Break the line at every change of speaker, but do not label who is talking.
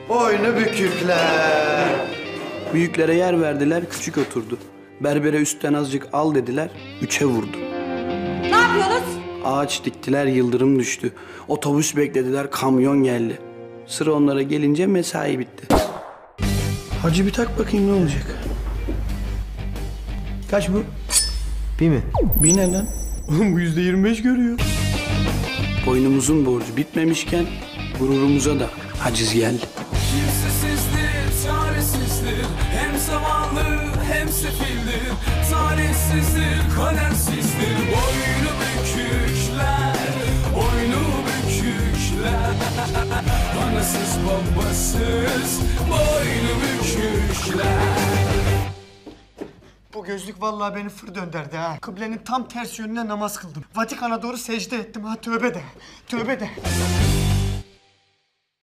Boynu bükükler.
Büyüklere yer verdiler, küçük oturdu. Berbere üstten azıcık al dediler, 3'e vurdu.
Ne yapıyorsunuz?
Ağaç diktiler, yıldırım düştü. Otobüs beklediler, kamyon geldi. Sıra onlara gelince mesai bitti. Hacı bir tak bakayım ne olacak? Kaç bu?
Bir mi?
Bir ne lan? Oğlum bu %25 görüyor. Boynumuzun borcu bitmemişken gururumuza da haciz geldi.
Kimsesizdir, çaresizdir, hem zamanlı hem sefildir. Talihsizdir, kadersizdir, boynu bükükler, boynu bükükler. Anasız babasız, boynu bükükler.
Bu gözlük vallahi beni fır dönderdi ha. Kıblenin tam ters yönüne namaz kıldım. Vatikan'a doğru secde ettim ha, tövbe de. Tövbe de.